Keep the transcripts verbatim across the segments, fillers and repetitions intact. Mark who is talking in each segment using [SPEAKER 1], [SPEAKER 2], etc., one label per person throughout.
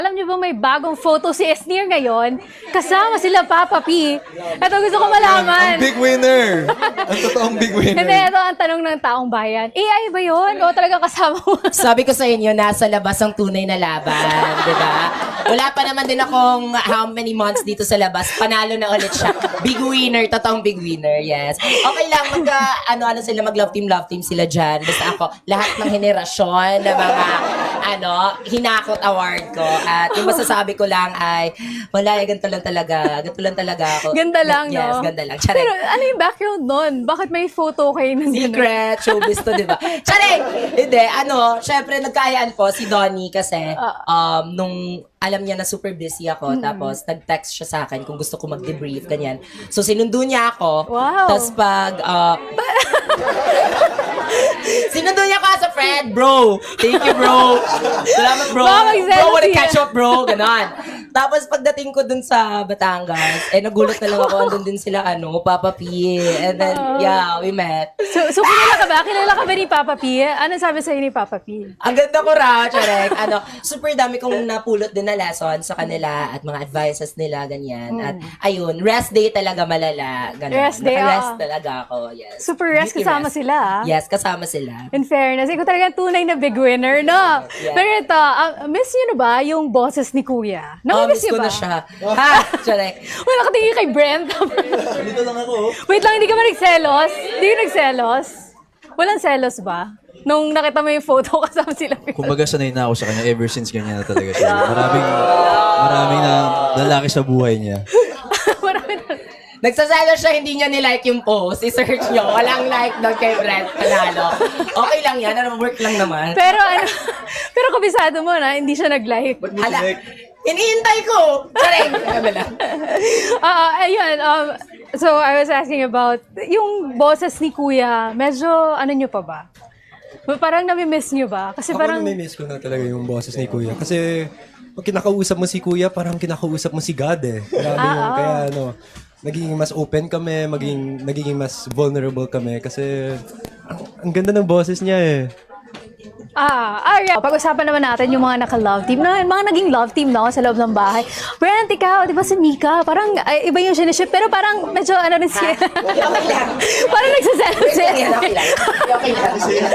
[SPEAKER 1] Alam niyo ba may bagong photo si Esnir ngayon? Kasama sila Papa P. Ito gusto ko malaman.
[SPEAKER 2] Ang big winner! Ang totoong big winner.
[SPEAKER 1] Hindi, ito ang tanong ng taong bayan. A I ba yun? O talaga kasama mo?
[SPEAKER 3] Sabi ko sa inyo, nasa labas ang tunay na laban, di ba? Wala pa naman din akong how many months dito sa labas. Panalo na ulit siya. Big winner, totoong big winner, yes. Okay lang, mag, uh, ano-ano sila, mag-love team, love team sila dyan. Basta ako, lahat ng henerasyon na mga, ano, hinakot award ko. At yung masasabi ko lang ay, wala, eh, ganito lang talaga. Ganito lang talaga ako.
[SPEAKER 1] Ganda lang,
[SPEAKER 3] yes,
[SPEAKER 1] no?
[SPEAKER 3] Yes, ganda lang. Charing.
[SPEAKER 1] Pero ano yung background nun? Bakit may photo kayo ng gano'n?
[SPEAKER 3] Secret, showbiz to, di ba? Charing! Hindi, ano, syempre, nagkayaan po si Donnie kasi, um, nung alam niya na super busy ako,
[SPEAKER 1] Mm-hmm.
[SPEAKER 3] tapos nag-text siya sa akin kung gusto ko mag-debrief, ganyan. So, sinundo niya ako.
[SPEAKER 1] Wow.
[SPEAKER 3] Tapos pag, uh, sinundo niya ako as a friend, bro. Thank you, bro. Salamat, bro.
[SPEAKER 1] Baka magselos
[SPEAKER 3] Bro, wanna
[SPEAKER 1] siya.
[SPEAKER 3] catch up, bro. Ganon. Tapos pagdating ko dun sa Batangas, eh nagulat na lang ako, andun din sila, ano, Papa P. And then, yeah, we met.
[SPEAKER 1] So, so kilala ka ba? Kilala ka ba ni Papa P? Ano sabi sa'yo ni Papa P?
[SPEAKER 3] Ang ganda ko raw, Charek. Ano, super dami kong napulot din na lesson sa kanila at mga advices nila, ganyan. At ayun, rest day talaga malala. Ganun.
[SPEAKER 1] Rest day,
[SPEAKER 3] Naka-rest
[SPEAKER 1] oo.
[SPEAKER 3] talaga ako, yes.
[SPEAKER 1] Super rest,
[SPEAKER 3] Beauty
[SPEAKER 1] kasama
[SPEAKER 3] rest.
[SPEAKER 1] sila, ah.
[SPEAKER 3] Yes, kasama sila.
[SPEAKER 1] In fairness, ikaw talaga tunay na big winner, no?
[SPEAKER 3] Yeah.
[SPEAKER 1] Pero ito, uh, miss niyo na ba yung boses ni Kuya?
[SPEAKER 3] Oh,
[SPEAKER 1] Namimiss
[SPEAKER 3] miss
[SPEAKER 1] niyo
[SPEAKER 3] ko
[SPEAKER 1] ba?
[SPEAKER 3] na siya. Ha, Charek.
[SPEAKER 1] Wala nakatingin kay Brent.
[SPEAKER 2] Dito lang ako.
[SPEAKER 1] Wait lang, hindi ka ba nagselos? Hindi ka nagselos? Walang selos ba? Nung nakita mo yung photo kasama sila.
[SPEAKER 4] Kumbaga sanay na ako sa kanya ever since ganyan na talaga siya. Maraming, maraming na lalaki sa buhay niya.
[SPEAKER 1] Marami na.
[SPEAKER 3] Nagsasalo siya, hindi niya nilike yung post. I-search niyo. Walang like doon kay Brent. Panalo. Okay lang yan. Ano, work lang naman.
[SPEAKER 1] Pero ano, pero kabisado mo na, hindi siya nag-like.
[SPEAKER 3] Hala, iniintay ko. Charek. Ano lang.
[SPEAKER 1] Ah, ayun. Um, so, I was asking about, yung boses ni Kuya, medyo, ano nyo pa ba? Parang nami-miss nyo ba? Kasi
[SPEAKER 2] Ako
[SPEAKER 1] parang,
[SPEAKER 2] nami-miss ko na talaga yung boses ni Kuya. Kasi pag kinakausap mo si Kuya, parang kinakausap mo si God eh. Grabe
[SPEAKER 1] Ah,
[SPEAKER 2] yun.
[SPEAKER 1] oo.
[SPEAKER 2] Kaya ano, nagiging mas open kami, maging, nagiging mas vulnerable kami. Kasi ang, ang ganda ng boses niya eh.
[SPEAKER 1] ah, ah, yeah. Pag-usapan naman natin yung mga naka-love team, na, mga naging love team no, sa loob ng bahay. Brent, ikaw, di ba si Mika? Parang ay, iba yung siniship, pero parang medyo ano rin siya.
[SPEAKER 3] Okay lang.
[SPEAKER 1] parang nagsasalo siya.
[SPEAKER 3] Okay lang. Okay lang. Okay lang.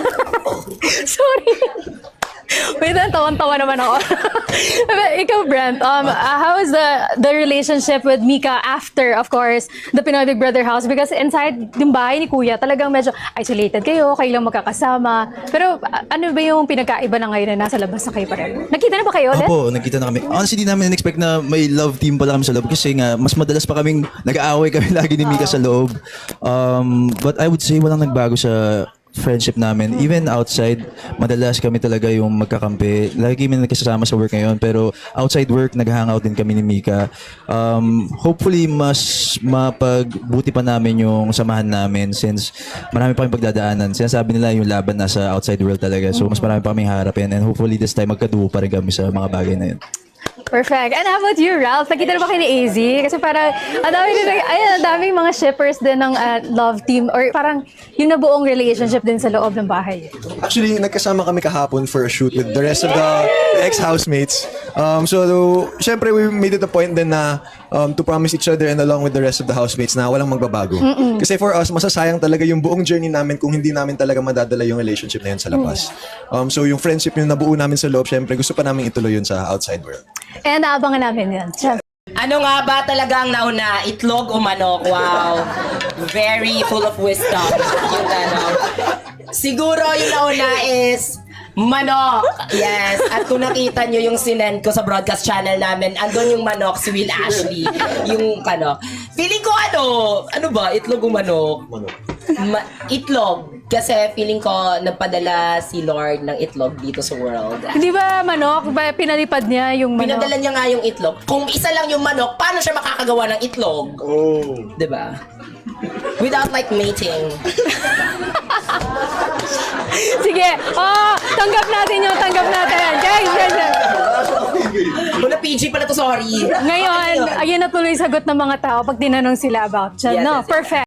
[SPEAKER 1] Sorry. Wait, tawan-tawa naman ako. Ikaw, Brent, um, uh, how is the the relationship with Mika after, of course, the Pinoy Big Brother house? Because inside yung bahay ni Kuya, talagang medyo isolated kayo, kayo lang magkakasama. Pero uh, ano ba yung pinagkaiba na ngayon na nasa labas na kayo pa rin? Nakita na ba kayo ulit?
[SPEAKER 4] Opo, nagkita na kami. Honestly, di namin in-expect na may love team pala kami sa loob kasi nga, mas madalas pa kaming nag-aaway kami lagi ni Mika sa loob. Um, but I would say walang nagbago sa friendship namin. Even outside, madalas kami talaga yung magkakampi. Lagi kami nagkasama sa work ngayon, pero outside work, nag-hangout din kami ni Mika. Um, hopefully, mas mapagbuti pa namin yung samahan namin since marami pa kami pagdadaanan. Sinasabi nila yung laban nasa outside world talaga. So, mas marami pa kami harapin and hopefully this time magkaduo pa rin kami sa mga bagay na yun.
[SPEAKER 1] Perfect. And how about you, Ralph? Nakita na ba kayo ni A Z? Kasi parang, ang dami din, ayun, ang daming mga shippers din ng uh, love team or parang yung nabuong relationship din sa loob ng bahay.
[SPEAKER 5] Actually, nagkasama kami kahapon for a shoot with the rest of the ex-housemates. Um, so, syempre, we made it a point din na um, to promise each other and along with the rest of the housemates na walang magbabago. Mm-mm. Kasi for us, masasayang talaga yung buong journey namin kung hindi namin talaga madadala yung relationship na yun sa labas. Um, so, yung friendship yung nabuo namin sa loob, syempre, gusto pa namin ituloy yun sa outside world.
[SPEAKER 1] And naabangan namin yan. Siyempre.
[SPEAKER 3] Ano nga ba talagang nauna? Itlog o manok? Wow. Very full of wisdom. Yung ano. Siguro yung nauna is manok. Yes. At kung nakita nyo yung sinend ko sa broadcast channel namin, andun yung manok, si Will Ashley. Yung ano. Feeling ko ano, ano ba? Itlog o manok? Manok. Ma- itlog. Kasi feeling ko nagpadala si Lord ng itlog dito sa world.
[SPEAKER 1] Hindi ba manok? Ba, pinalipad niya yung manok?
[SPEAKER 3] Pinadala niya nga yung itlog. Kung isa lang yung manok, paano siya makakagawa ng itlog? Oh. Diba? Without like mating.
[SPEAKER 1] Sige. Oh, tanggap natin yun. Tanggap natin. Guys, guys, guys.
[SPEAKER 3] Wala P G pala to, sorry.
[SPEAKER 1] Ngayon, ayun na tuloy sagot ng mga tao pag tinanong sila about dyan.
[SPEAKER 3] Yes,
[SPEAKER 1] No,
[SPEAKER 3] yes, yes.
[SPEAKER 1] perfect.